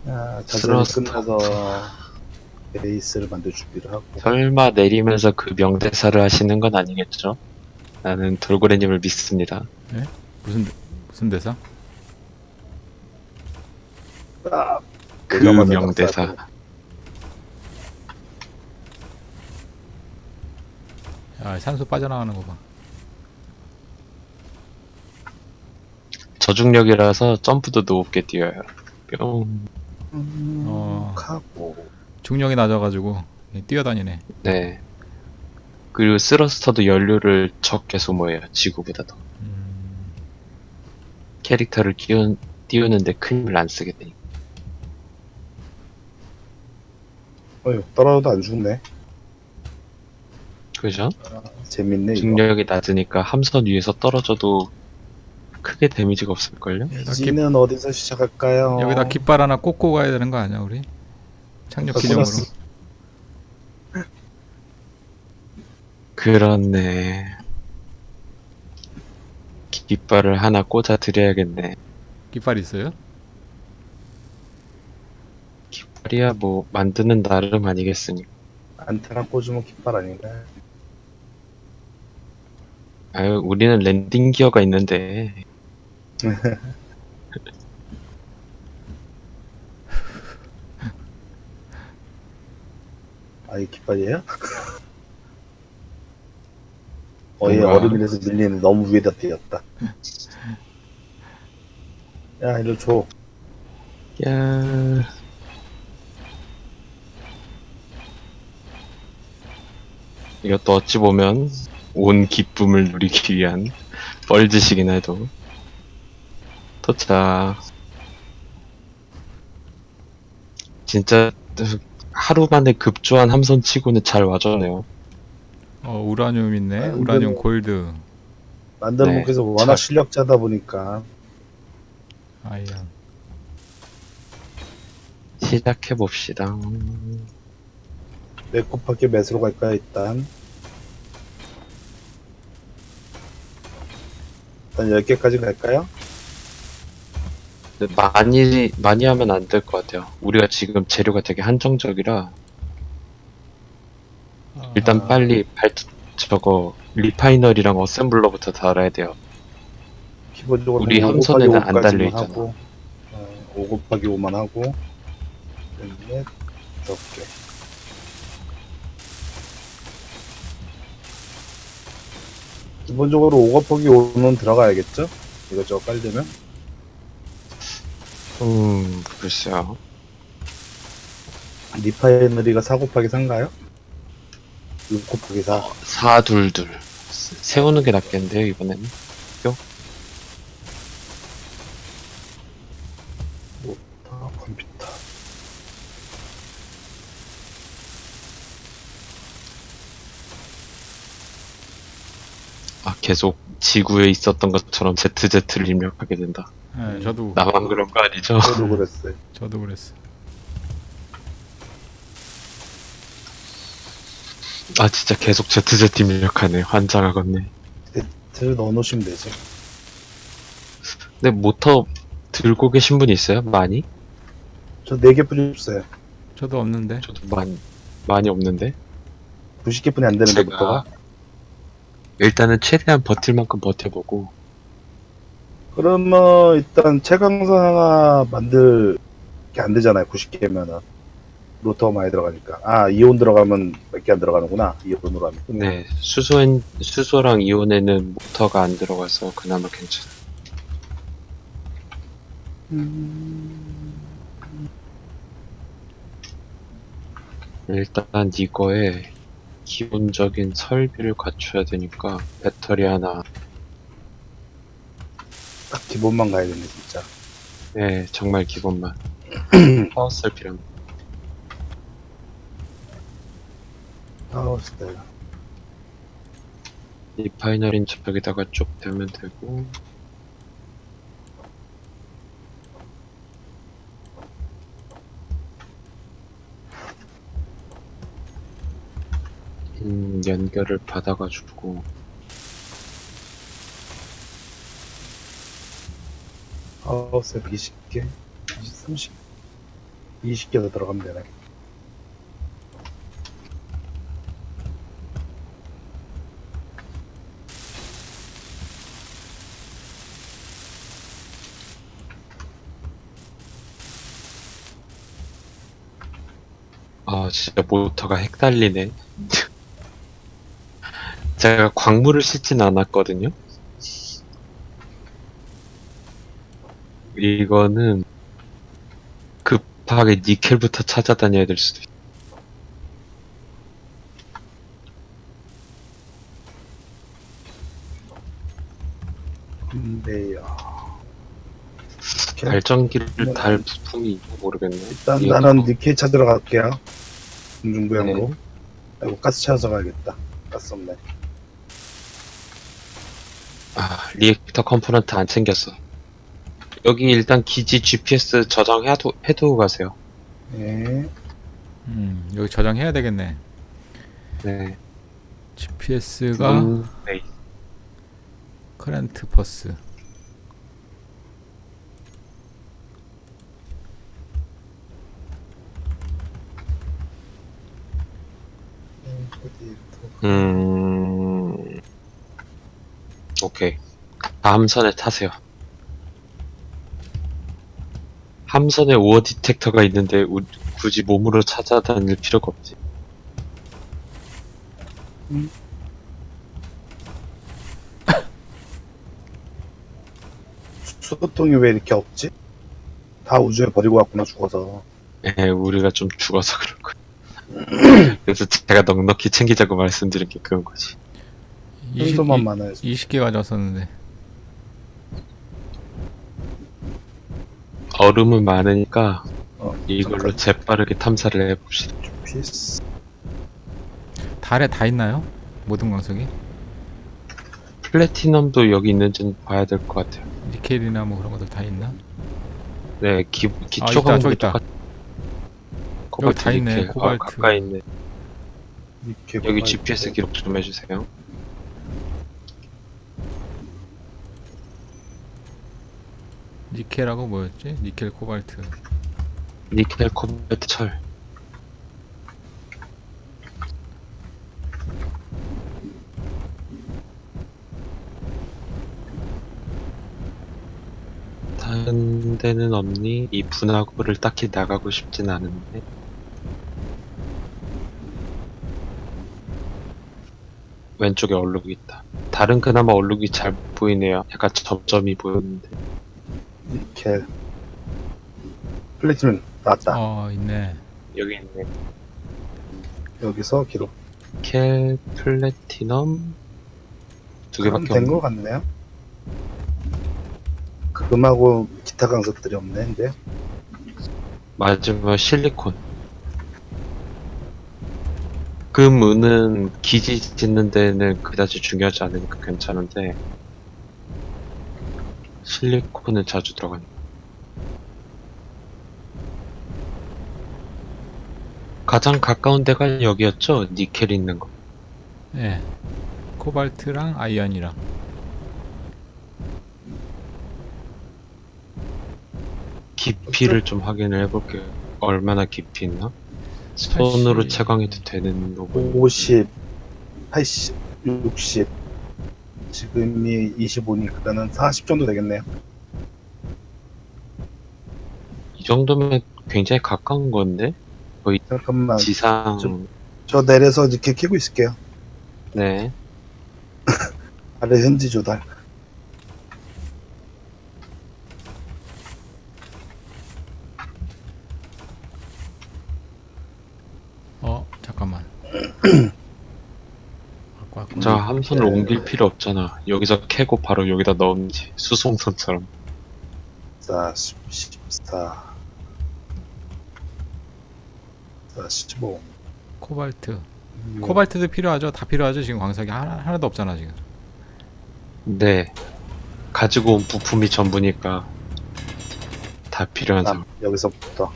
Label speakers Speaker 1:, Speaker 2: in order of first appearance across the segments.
Speaker 1: 자세히
Speaker 2: 스러스터.
Speaker 1: 끝나서 베이스를 만들 준비를 하고.
Speaker 2: 설마 내리면서 그 명대사를 하시는 건 아니겠죠? 나는 돌고래님을 믿습니다.
Speaker 3: 예? 무슨 대사?
Speaker 1: 딱
Speaker 2: 그
Speaker 1: 오자마자
Speaker 2: 명대사.
Speaker 1: 낙사하고.
Speaker 3: 야, 산소 빠져나가는 거 봐.
Speaker 2: 저중력이라서 점프도 높게 뛰어요. 뿅.
Speaker 1: 하고.
Speaker 3: 중력이 낮아가지고 뛰어다니네.
Speaker 2: 네. 그리고 스러스터도 연료를 적게 소모해요. 지구보다 더. 캐릭터를 띄우는데 큰 힘을 안 쓰게 되니까.
Speaker 1: 어휴, 떨어져도 안 죽네.
Speaker 2: 그죠?
Speaker 1: 재밌네, 이거.
Speaker 2: 중력이 낮으니까 함선 위에서 떨어져도 크게 데미지가 없을걸요?
Speaker 1: 기지는 어디서 시작할까요?
Speaker 3: 여기다 깃발 하나 꽂고 가야 되는 거 아니야, 우리? 착륙 기념으로.
Speaker 1: 꽂았어.
Speaker 2: 그렇네. 깃발을 하나 꽂아 드려야겠네.
Speaker 3: 깃발 있어요?
Speaker 2: 깃발이야 뭐 만드는 나름 아니겠습니까?
Speaker 1: 안테나 꽂으면 깃발 아닌가요?
Speaker 2: 아유, 우리는 랜딩 기어가 있는데.
Speaker 1: 아, 이 깃발이에요? 얘
Speaker 2: 뭔가-
Speaker 1: 얼음이라서 밀리는 너무 위에다 띄었다. 야, 이거 줘.
Speaker 2: 야. 이것도 어찌 보면 온 기쁨을 누리기 위한 뻘짓이긴 해도. 도착. 진짜 하루 만에 급조한 함선 치고는 잘 와줬네요.
Speaker 3: 우라늄 있네.
Speaker 1: 아,
Speaker 3: 우라늄
Speaker 1: 이거는-
Speaker 3: 골드.
Speaker 1: 만드는
Speaker 2: 네.
Speaker 1: 분께서 워낙
Speaker 2: 참.
Speaker 1: 실력자다 보니까.
Speaker 3: 아이언.
Speaker 2: 시작해봅시다.
Speaker 1: 몇 곱하기 몇으로 갈까요, 일단? 일단 10개까지 갈까요?
Speaker 2: 근데 많이 하면 안 될 것 같아요. 우리가 지금 재료가 되게 한정적이라 일단 빨리 저거 리파이너리랑 어셈블러부터 달아야 돼요.
Speaker 1: 기본적으로
Speaker 2: 우리
Speaker 1: 한 5
Speaker 2: 함선에는
Speaker 1: 곱하기
Speaker 2: 안
Speaker 1: 5까지만
Speaker 2: 달려있잖아.
Speaker 1: 하고, 5 곱하기 5만 하고, 넷, 5개. 기본적으로 5 곱하기 5는 들어가야겠죠? 이것저것 깔려면?
Speaker 2: 글쎄요.
Speaker 1: 리파이너리가 4 곱하기 4인가요? 6 곱하기 4.
Speaker 2: 422 세우는 게 낫겠는데요, 이번에는.
Speaker 1: 컴퓨터.
Speaker 2: 계속 지구에 있었던 것처럼 ZZ를 입력하게 된다.
Speaker 3: 네, 저도
Speaker 2: 나만 그런 거 아니죠?
Speaker 1: 저도 그랬어요.
Speaker 3: 저도 그랬어.
Speaker 2: 진짜 계속 ZZ 입력하네. 환장하겠네.
Speaker 1: 를 넣어놓으시면 되지.
Speaker 2: 근데 모터 들고 계신 분 있어요? 많이?
Speaker 1: 저 4개뿐이 없어요.
Speaker 3: 저도 없는데.
Speaker 2: 저도 많이 없는데.
Speaker 1: 90개뿐이 안 되는데,
Speaker 2: 제가
Speaker 1: 부터가.
Speaker 2: 일단은 최대한 버틸 만큼 버텨보고.
Speaker 1: 그러면 일단 채광선 하나 만들 게 안 되잖아요. 90개면은. 로터가 많이 들어가니까. 이온 들어가면 몇 개 안 들어가는구나. 이온으로 하면.
Speaker 2: 네, 수소랑 이온에는 모터가 안 들어가서 그나마 괜찮아요. 일단 이거에 기본적인 설비를 갖춰야 되니까 배터리 하나.
Speaker 1: 딱 기본만 가야겠네, 진짜.
Speaker 2: 네, 정말 기본만. 파워셀 필요합니다.
Speaker 1: 스타일.
Speaker 2: 리파이너린 저쪽에다가 쭉 대면 되고. 연결을 받아가지고.
Speaker 1: 파워셀 20개, 30. 20개 더 들어가면 되네.
Speaker 2: 아, 진짜 모터가 헷갈리네. 제가 광물을 싣진 않았거든요. 이거는 급하게 니켈부터 찾아다녀야 될 수도 있어.
Speaker 1: 근데요.
Speaker 2: 발전기를 달 부품이 있나 모르겠네.
Speaker 1: 일단
Speaker 2: 이거-
Speaker 1: 나는 니켈 찾으러 갈게요. 중부양으로.
Speaker 2: 네.
Speaker 1: 아이고 가스 찾아서 가야겠다. 가스 없네.
Speaker 2: 아, 리액터 컴포넌트 안 챙겼어. 여기 일단 기지 GPS 해두고 가세요.
Speaker 1: 네.
Speaker 3: 여기 저장해야 되겠네.
Speaker 2: 네.
Speaker 3: GPS가
Speaker 2: 네.
Speaker 3: 커런트 버스.
Speaker 2: 오케이. 다음선에 타세요. 함선에 오어 디텍터가 있는데 굳이 몸으로 찾아다닐 필요가 없지.
Speaker 1: 수소통이 왜 이렇게 없지? 다 우주에 버리고 왔구나 죽어서.
Speaker 2: 예, 우리가 좀 죽어서 그런 거야. 그래서 제가 넉넉히 챙기자고 말씀드린 게 그런 거지.
Speaker 1: 순서만 많아요.
Speaker 3: 20개 가져왔었는데.
Speaker 2: 얼음은 많으니까
Speaker 1: 잠깐.
Speaker 2: 이걸로 재빠르게 탐사를 해봅시다.
Speaker 1: 피스.
Speaker 3: 달에 다 있나요? 모든 광석이?
Speaker 2: 플래티넘도 여기 있는지는 봐야 될 것 같아요.
Speaker 3: 니켈이나 뭐 그런 것들 다 있나?
Speaker 2: 네, 기초
Speaker 3: 있다,
Speaker 2: 광물이
Speaker 3: 저기 있다.
Speaker 2: 똑같.
Speaker 3: 여기 다 있네,
Speaker 2: 니켈.
Speaker 3: 코발트.
Speaker 2: 가까이 있네.
Speaker 1: 니켈
Speaker 2: 여기
Speaker 1: 코발트.
Speaker 2: GPS 기록 좀 해주세요.
Speaker 3: 니켈하고 뭐였지? 니켈 코발트.
Speaker 2: 니켈, 코발트, 철. 다른 데는 없니? 이 분화구를 딱히 나가고 싶진 않은데. 왼쪽에 얼룩이 있다. 다른 그나마 얼룩이 잘 보이네요. 약간 점점이 보였는데.
Speaker 1: 니켈. 플래티넘 나왔다.
Speaker 3: 있네.
Speaker 2: 여기 있네.
Speaker 1: 여기서 기록.
Speaker 2: 니켈, 플래티넘 두 개밖에
Speaker 1: 된 거
Speaker 2: 없네.
Speaker 1: 같네요. 금하고 기타 강석들이 없네. 근데
Speaker 2: 마지막 실리콘. 금, 은은 기지 짓는 데는 그다지 중요하지 않으니까 괜찮은데 실리콘은 자주 들어가네. 가장 가까운 데가 여기였죠? 니켈 있는 거.
Speaker 3: 네. 코발트랑 아이언이랑.
Speaker 2: 깊이를 좀 확인을 해볼게요. 얼마나 깊이 있나? 손으로
Speaker 3: 80.
Speaker 2: 채광해도 되는 거고.
Speaker 1: 50, 80, 60. 지금이 25니까는 40 정도 되겠네요.
Speaker 2: 이 정도면 굉장히 가까운 건데?
Speaker 1: 잠깐만.
Speaker 2: 지상.
Speaker 1: 저 내려서 이렇게 키고 있을게요.
Speaker 2: 네.
Speaker 1: 아래 현지 조달.
Speaker 3: 잠깐만. 갖고
Speaker 2: 자,
Speaker 3: 왔구나.
Speaker 2: 함선을 옮길 필요 없잖아. 여기서 캐고 바로 여기다 넣으면지. 수송선처럼.
Speaker 1: 40, 14, 45.
Speaker 3: 코발트. 코발트도 필요하죠. 다 필요하죠. 지금 광석이 하나도 없잖아 지금.
Speaker 2: 네. 가지고 온 부품이 전부니까 다 필요한 상황.
Speaker 1: 여기서부터.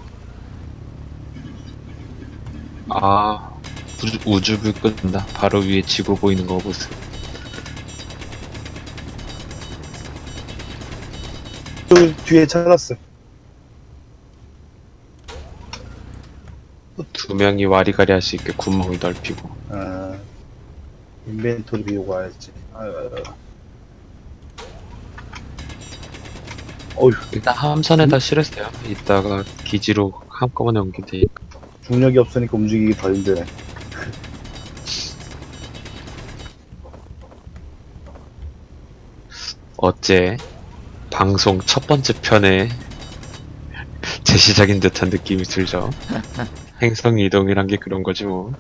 Speaker 2: 아, 우주불 끈다. 바로 위에 지구 보이는 거 보세요.
Speaker 1: 저 뒤에 찾았어요.
Speaker 2: 두 명이 와리가리 할 수 있게 구멍을 넓히고.
Speaker 1: 아, 인벤토리 비우고 와야지. 아유, 아유. 어휴,
Speaker 2: 일단 함선에다 실었어요. 이따가 기지로 한꺼번에 옮기면 되니까.
Speaker 1: 중력이 없으니까 움직이기 더 힘드네.
Speaker 2: 어째 방송 첫 번째 편에 재시작인 듯한 느낌이 들죠. 행성 이동이란 게 그런 거지 뭐.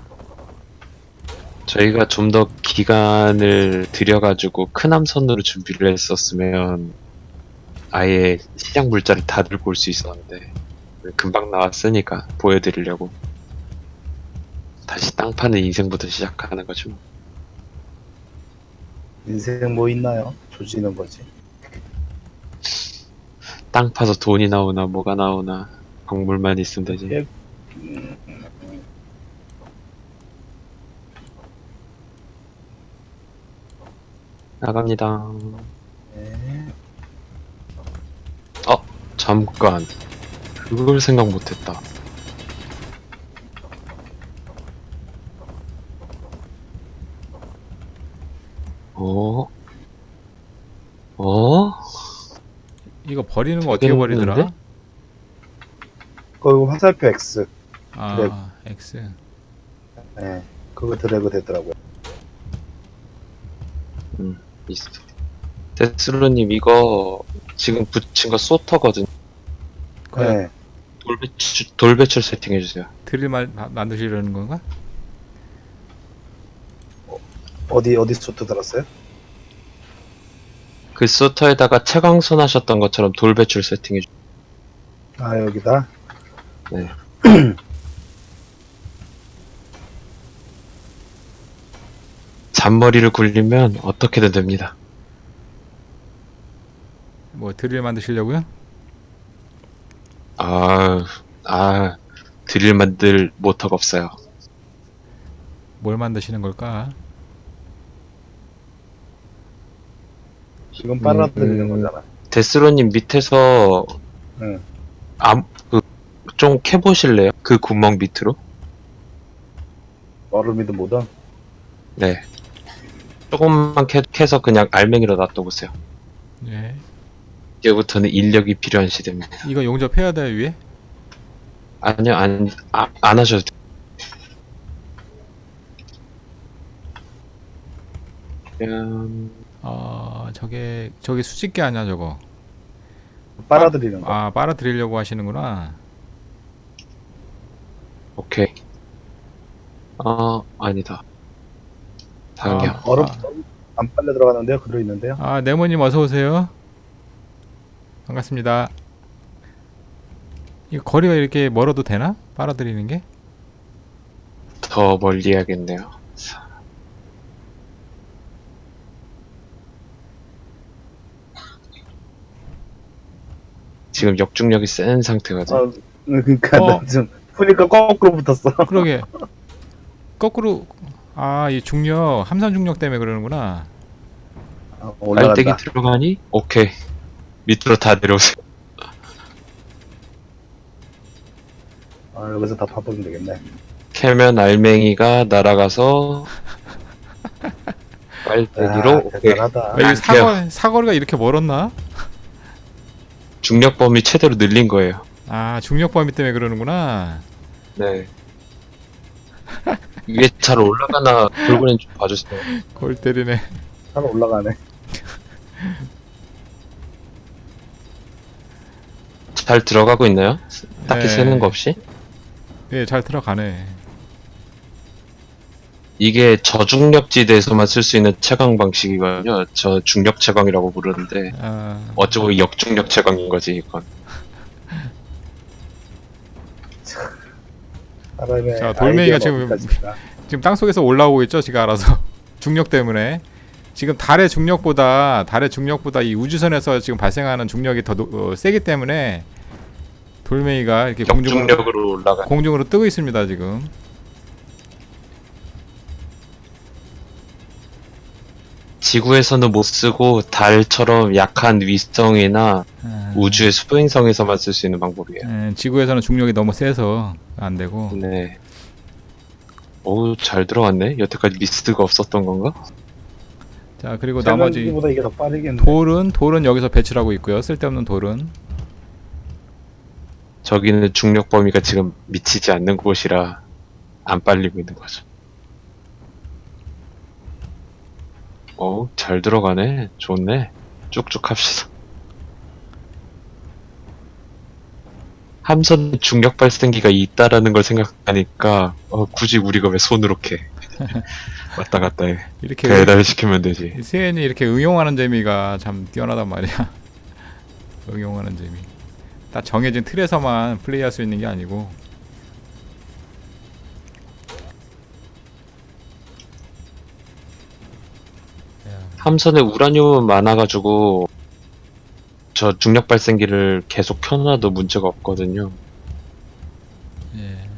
Speaker 2: 저희가 좀 더 기간을 들여가지고 큰 함선으로 준비를 했었으면 아예 시장 물자를 다 들고 올 수 있었는데 금방 나왔으니까 보여드리려고 다시 땅 파는 인생부터 시작하는 거죠.
Speaker 1: 인생 뭐 있나요? 조지는 거지.
Speaker 2: 땅 파서 돈이 나오나 뭐가 나오나 광물만 있으면 되지.
Speaker 1: 예.
Speaker 2: 나갑니다.
Speaker 1: 네.
Speaker 2: 잠깐 그걸 생각 못했다. 어? 어?
Speaker 3: 이거 버리는 거 어떻게
Speaker 2: 되게
Speaker 3: 버리더라?
Speaker 2: 없는데?
Speaker 1: 그거 화살표 X.
Speaker 3: 아, X.
Speaker 1: 네. 그거 드래그 되더라고요.
Speaker 2: 있어. 데스루님 이거 지금 붙인 거 소터거든.
Speaker 1: 네.
Speaker 2: 돌배출 세팅해주세요.
Speaker 3: 드릴 만드시려는 건가?
Speaker 1: 어디 소트 들었어요?
Speaker 2: 그 소터에다가 채광선 하셨던 것처럼 돌배출 세팅해주세요.
Speaker 1: 아, 여기다.
Speaker 2: 네. 잔머리를 굴리면 어떻게든 됩니다.
Speaker 3: 뭐 드릴 만드시려고요?
Speaker 2: 드릴 만들 모터가 없어요.
Speaker 3: 뭘 만드시는 걸까?
Speaker 1: 지금 빨아들이는 거잖아.
Speaker 2: 데스로님 밑에서
Speaker 1: 응.
Speaker 2: 좀 캐보실래요? 그 구멍 밑으로?
Speaker 1: 얼음이든 뭐든.
Speaker 2: 네. 조금만 캐서 그냥 알맹이로 놔둬보세요.
Speaker 3: 예.
Speaker 2: 이제부터는 인력이 필요한 시대입니다.
Speaker 3: 이거 용접해야 돼요, 위에?
Speaker 2: 아니요, 안 하셔도 돼요.
Speaker 3: 저게 수직계 아니야, 저거?
Speaker 1: 빨아들이는 거.
Speaker 3: 아, 빨아들이려고 하시는구나.
Speaker 2: 오케이. 아니다. 다음이요.
Speaker 1: 얼음 안 빨려 들어가는데요? 그대로 있는데요?
Speaker 3: 아, 네모님 어서 오세요. 반갑습니다. 이거 거리가 이렇게 멀어도 되나? 빨아들이는 게?
Speaker 2: 더 멀리 해야겠네요. 지금 역중력이 센 상태거든.
Speaker 1: 그러니까
Speaker 3: 어.
Speaker 1: 나 좀 보니까 거꾸로 붙었어.
Speaker 3: 그러게. 거꾸로, 이 중력, 함산 중력 때문에 그러는구나.
Speaker 2: 빨대기
Speaker 1: 올라간다.
Speaker 2: 들어가니? 오케이. 밑으로 다 내려오세요.
Speaker 1: 여기서 다 파보면 되겠네.
Speaker 2: 캐면 알맹이가 날아가서 빨대기로 오케이.
Speaker 1: 대단하다.
Speaker 3: 이게
Speaker 2: 돼요.
Speaker 3: 사거리가 이렇게 멀었나?
Speaker 2: 중력 범위 최대로 늘린 거예요.
Speaker 3: 아, 중력 범위 때문에 그러는구나.
Speaker 2: 네. 위에 잘 올라가나 돌고래 좀 봐주세요.
Speaker 3: 골 때리네.
Speaker 1: 산 올라가네.
Speaker 2: 잘 들어가고 있나요? 딱히
Speaker 3: 네.
Speaker 2: 새는 거 없이?
Speaker 3: 예, 잘 들어가네.
Speaker 2: 이게 저중력지대에서만 쓸 수 있는 채광 방식이거든요. 저 중력 채광이라고 부르는데 어쩌고 역중력 채광인 거지 이건.
Speaker 1: 사람의
Speaker 3: 자, 돌멩이가
Speaker 1: 아이디어가
Speaker 3: 지금
Speaker 1: 어디까지인가.
Speaker 3: 지금 땅속에서 올라오고 있죠, 지가 알아서. 중력 때문에. 지금 달의 중력보다 이 우주선에서 지금 발생하는 중력이 더 세기 때문에 돌멩이가 이렇게
Speaker 2: 역중력으로 올라가.
Speaker 3: 공중으로 뜨고 있습니다, 지금.
Speaker 2: 지구에서는 못 쓰고 달처럼 약한 위성이나 우주의 수행성에서만 쓸 수 있는 방법이에요.
Speaker 3: 지구에서는 중력이 너무 세서 안 되고.
Speaker 2: 네. 어우, 잘 들어갔네. 여태까지 미스가 없었던 건가?
Speaker 3: 자, 그리고 나머지
Speaker 1: 세면기보다 이게 더 빠르겠네.
Speaker 3: 돌은 여기서 배치를 하고 있고요. 쓸데없는 돌은.
Speaker 2: 저기는 중력 범위가 지금 미치지 않는 곳이라 안 빨리고 있는 거죠. 어우, 잘 들어가네. 좋네. 쭉쭉 합시다. 함선에 중력 발생기가 있다라는 걸 생각하니까 굳이 우리가 왜 손으로 캐? 왔다 갔다 해.
Speaker 3: 이렇게
Speaker 2: 배달시키면 되지.
Speaker 3: 세엔이 이렇게 응용하는 재미가 참 뛰어나단 말이야. 응용하는 재미. 딱 정해진 틀에서만 플레이할 수 있는 게 아니고.
Speaker 2: 함선에 우라늄은 많아가지고 저 중력 발생기를 계속 켜놔도 문제가 없거든요.
Speaker 3: 예.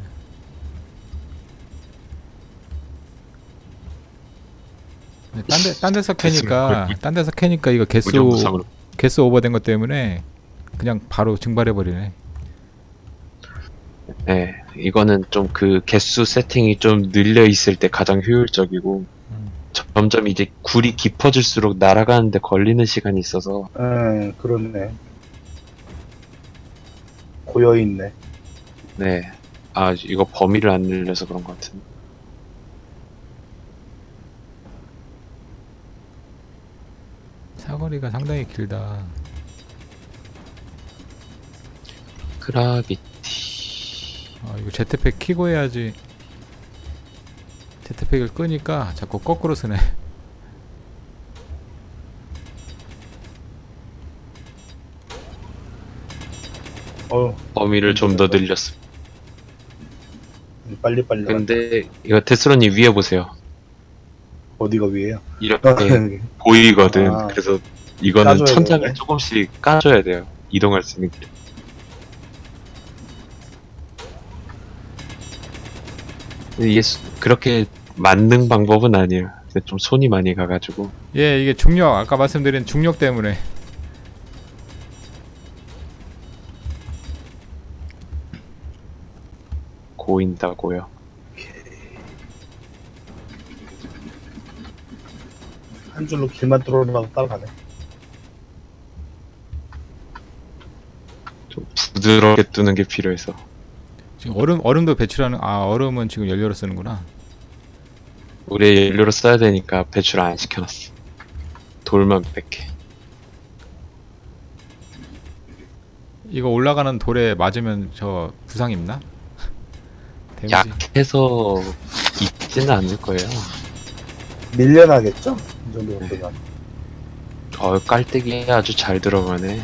Speaker 3: 근데 딴 데서 캐니까 이거
Speaker 2: 무정무상으로.
Speaker 3: 개수 오버된 것 때문에 그냥 바로 증발해 버리네.
Speaker 2: 네, 이거는 좀 그 개수 세팅이 좀 늘려 있을 때 가장 효율적이고 점점 이제 굴이 깊어질수록 날아가는데 걸리는 시간이 있어서
Speaker 1: 그렇네. 고여있네.
Speaker 2: 네, 아 이거 범위를 안 늘려서 그런 것 같은데.
Speaker 3: 사거리가 상당히 길다.
Speaker 2: 그라비티.
Speaker 3: 이거 제트팩 키고 해야지. 제트팩을 끄니까 자꾸 거꾸로 쓰네.
Speaker 2: 범위를 좀 더 늘렸어.
Speaker 1: 빨리빨리.
Speaker 2: 근데 이거 테스로님 위에 보세요.
Speaker 1: 어디가 위에요?
Speaker 2: 이렇게 보이거든.
Speaker 1: 아.
Speaker 2: 그래서 이거는
Speaker 1: 까줘야
Speaker 2: 천장을
Speaker 1: 되네.
Speaker 2: 조금씩 까줘야 돼요. 이동할 수 있는 길. 근데 이게 그렇게 맞는 방법은 아니에요. 근데 좀 손이 많이 가가지고.
Speaker 3: 예, 이게 중력, 아까 말씀드린 중력 때문에.
Speaker 2: 고인다고요.
Speaker 1: 한 줄로 길만 뚫어놔도 따라가네.
Speaker 2: 좀 부드럽게 뜨는 게 필요해서.
Speaker 3: 지금 얼음도 배출하는, 얼음은 지금 연료로 쓰는구나.
Speaker 2: 우리 연료로 써야 되니까 배출 안 시켜놨어. 돌만 뺄게.
Speaker 3: 이거 올라가는 돌에 맞으면 저 부상 입나? 데미지.
Speaker 2: 약해서 있지는 않을 거예요.
Speaker 1: 밀려나겠죠? 이 정도 되면.
Speaker 2: 깔때기 아주 잘 들어가네.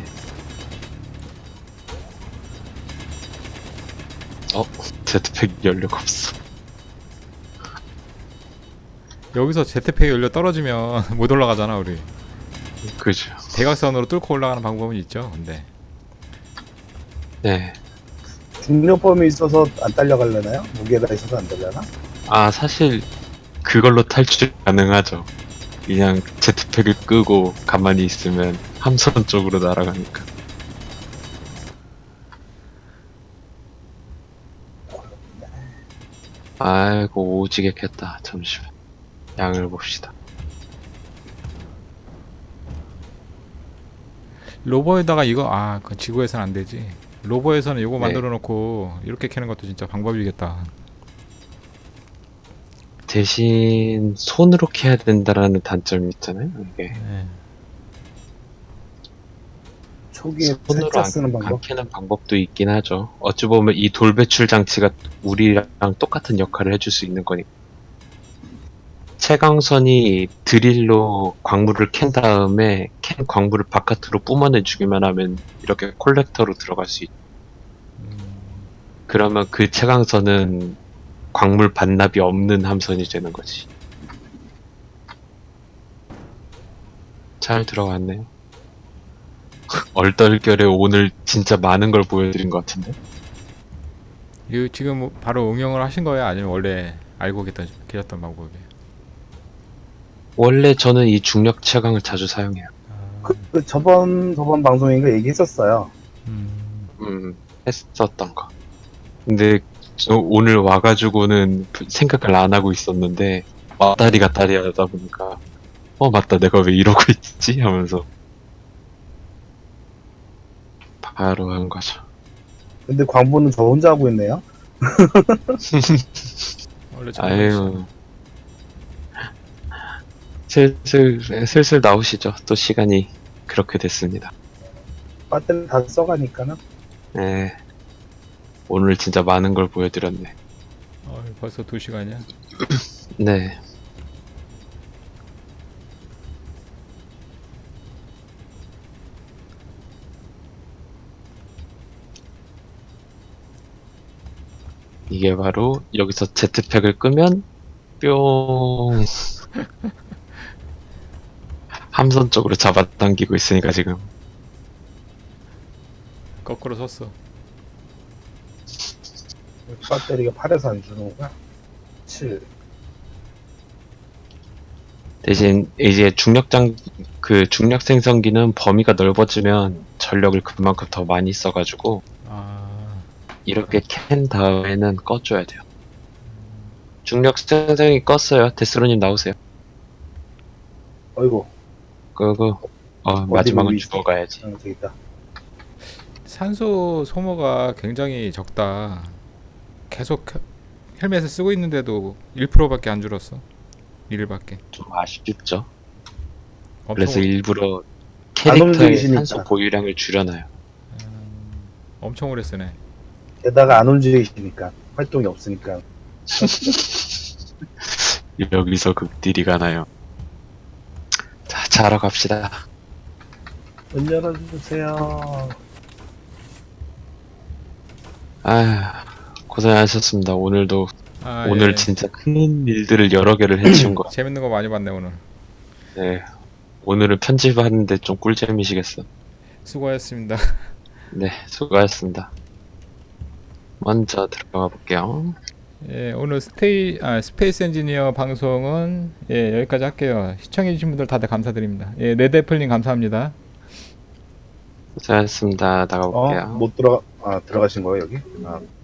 Speaker 2: 제트팩 연료가 없어.
Speaker 3: 여기서 제트팩 연료 떨어지면 못 올라가잖아, 우리.
Speaker 2: 그죠.
Speaker 3: 대각선으로 뚫고 올라가는 방법은 있죠, 근데.
Speaker 2: 네.
Speaker 1: 중력범위 있어서 안 딸려갈려나요? 무게가 있어서 안 되려나?
Speaker 2: 사실 그걸로 탈출 가능하죠. 그냥 제트팩을 끄고 가만히 있으면 함선 쪽으로 날아가니까. 아이고 오지게 켰다. 잠시만. 양을 봅시다.
Speaker 3: 로버에다가 이거, 그 지구에서는 안 되지. 로버에서는 이거
Speaker 2: 네.
Speaker 3: 만들어 놓고 이렇게 캐는 것도 진짜 방법이겠다.
Speaker 2: 대신 손으로 캐야 된다라는 단점이 있잖아요. 이게
Speaker 3: 네.
Speaker 1: 초기에
Speaker 2: 손으로
Speaker 1: 살짝 쓰는
Speaker 2: 안
Speaker 1: 방법?
Speaker 2: 캐는 방법도 있긴 하죠. 어찌 보면 이 돌 배출 장치가 우리랑 똑같은 역할을 해줄 수 있는 거니까. 채광선이 드릴로 광물을 캔 다음에 캔 광물을 바깥으로 뿜어내주기만 하면 이렇게 콜렉터로 들어갈 수 있죠. 그러면 그 채광선은 광물 반납이 없는 함선이 되는 거지. 잘 들어갔네요. 얼떨결에 오늘 진짜 많은 걸 보여드린 것 같은데?
Speaker 3: 이거 지금 뭐 바로 응용을 하신 거예요? 아니면 원래 알고 계셨던 방법이에요?
Speaker 2: 원래 저는 이 중력 채광을 자주 사용해요.
Speaker 1: 그 저번 방송인가 얘기했었어요.
Speaker 2: 했었던 거. 근데 저 오늘 와가지고는 생각을 안 하고 있었는데 왔다리 갔다리 하다 보니까 맞다 내가 왜 이러고 있지 하면서 바로 한 거죠.
Speaker 1: 근데 광부는 저 혼자 하고 있네요.
Speaker 3: 원래
Speaker 2: 아유 슬슬 나오시죠. 또 시간이 그렇게 됐습니다.
Speaker 1: 배터리 다 써가니까는.
Speaker 2: 네. 오늘 진짜 많은 걸 보여드렸네.
Speaker 3: 벌써 2시간이야.
Speaker 2: 네. 이게 바로 여기서 제트팩을 끄면 뿅 함선 쪽으로 잡아당기고 있으니까 지금
Speaker 3: 거꾸로 섰어.
Speaker 1: 배터리가 8에서 안 주는구나. 7.
Speaker 2: 대신 이제 중력 생성기는 범위가 넓어지면 전력을 그만큼 더 많이 써가지고 이렇게 캔 다음에는 꺼줘야 돼요. 중력 생성기 껐어요. 데스로님 나오세요.
Speaker 1: 어이구.
Speaker 2: 끄고 마지막은
Speaker 1: 보이지?
Speaker 2: 죽어가야지.
Speaker 1: 저기 있다.
Speaker 3: 산소 소모가 굉장히 적다. 계속 헬멧을 쓰고 있는데도 1%밖에 안 줄었어. 1밖에.
Speaker 2: 좀 아쉽죠.
Speaker 3: 엄청
Speaker 2: 그래서 일부러
Speaker 1: 안
Speaker 2: 캐릭터의
Speaker 1: 움직이시니까.
Speaker 2: 산소 보유량을 줄여놔요.
Speaker 3: 엄청 오래 쓰네.
Speaker 1: 게다가 안 움직이시니까 활동이 없으니까.
Speaker 2: 여기서 극딜이 나요. 자, 자러 갑시다.
Speaker 1: 문 열어주세요.
Speaker 2: 고생하셨습니다. 오늘도 오늘
Speaker 3: 예.
Speaker 2: 진짜 큰 일들을 여러 개를 해치운 거.
Speaker 3: 재밌는 거 많이 봤네 오늘.
Speaker 2: 네. 오늘은 편집하는데 좀 꿀잼이시겠어.
Speaker 3: 수고하셨습니다.
Speaker 2: 네, 수고하셨습니다. 먼저 들어가 볼게요.
Speaker 3: 예, 오늘 스페이스 엔지니어 방송은 여기까지 할게요. 시청해주신 분들 다들 감사드립니다. 예, 레드애플님 감사합니다.
Speaker 2: 고생하셨습니다. 나가볼게요.
Speaker 1: 들어가신 거예요, 여기?